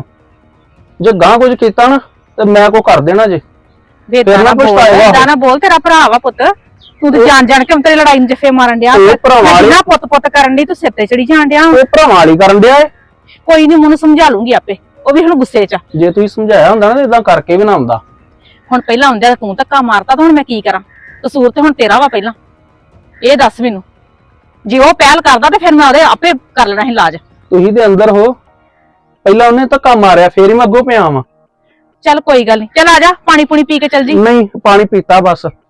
Speaker 3: ਜੇ ਗਾਂ ਕੁਝ ਕੀਤਾ ਨਾ ਤੇ ਮੈਂ ਕੋ ਕਰ ਦੇਣਾ ਜੇ।
Speaker 4: ਵੇਦਾਂ
Speaker 3: ਫਿਰ ਨਾ
Speaker 4: ਨਾ ਬੋਲ,
Speaker 3: ਪਛਤਾਏਗਾ ਉਹ।
Speaker 4: ਏਦਾਂ ਨਾ ਬੋਲ, ਤੇਰਾ ਭਰਾ ਵਾ ਪੁੱਤ। ਤੂੰ ਤੇ ਜਾਣ ਜਾਣ ਕੇ ਅੰਤਰੇ ਲੜਾਈ ਨੂੰ ਜੱਫੇ ਮਾਰਨ ਡਿਆ
Speaker 3: ਇਹ ਭਰਾਵਾਂ
Speaker 4: ਮੈਂ
Speaker 3: ਵਾਲੀ-
Speaker 4: ਜਿੰਨਾ ਪੁੱਤ ਪੁੱਤ ਕਰਨ ਡਈ ਤੂੰ ਸਿਰ ਤੇ ਚੜੀ ਜਾਣ ਡਿਆ
Speaker 3: ਉਹ ਭਰਾਵਾਂ ਵਾਲੀ ਕਰਨ ਡਿਆ ਏ।
Speaker 4: ਕੋਈ ਨਹੀਂ ਮੈਨੂੰ ਸਮਝਾ ਲੂੰਗੀ ਆਪੇ ਉਹ ਵੀ ਹੁਣ ਗੁੱਸੇ 'ਚ ਆ।
Speaker 3: ਜੇ ਤੁਸੀਂ ਸਮਝਾਇਆ ਹੁੰਦਾ ਨਾ ਇਦਾਂ ਕਰਕੇ ਵੀ ਨਾ ਆਉਂਦਾ।
Speaker 4: ਹੁਣ ਪਹਿਲਾਂ ਹੁੰਦਿਆ ਤੂੰ ਧੱਕਾ ਮਾਰਤਾ ਤਾਂ ਹੁਣ ਮੈਂ ਕੀ ਕਰਾਂ? ਕਸੂਰ ਤੇ ਹੁਣ ਤੇਰਾ ਵਾ ਪਹਿਲਾਂ ਇਹ ਦੱਸ ਮੈਨੂੰ। ਜੇ ਉਹ ਪਹਿਲ ਕਰਦਾ ਤੇ ਫਿਰ ਮੈਂ ਉਹਦੇ ਆਪੇ ਕਰ ਲੈਣਾ ਸੀ ਇਲਾਜ।
Speaker 3: ਤੁਸੀਂ ਤੇ ਅੰਦਰ ਹੋ, ਪਹਿਲਾਂ ਉਹਨੇ ਧੱਕਾ ਮਾਰਿਆ ਫੇਰ ਹੀ ਮੈਂ ਅੱਗੋਂ ਪਿਆ ਵਾਂ।
Speaker 4: ਚੱਲ ਕੋਈ ਗੱਲ ਨਹੀਂ, ਚੱਲ ਆ ਜਾ ਪਾਣੀ ਪੂਣੀ ਪੀ ਕੇ ਚੱਲ ਜੀ।
Speaker 3: ਨਹੀਂ ਪਾਣੀ ਪੀਤਾ ਬਸ।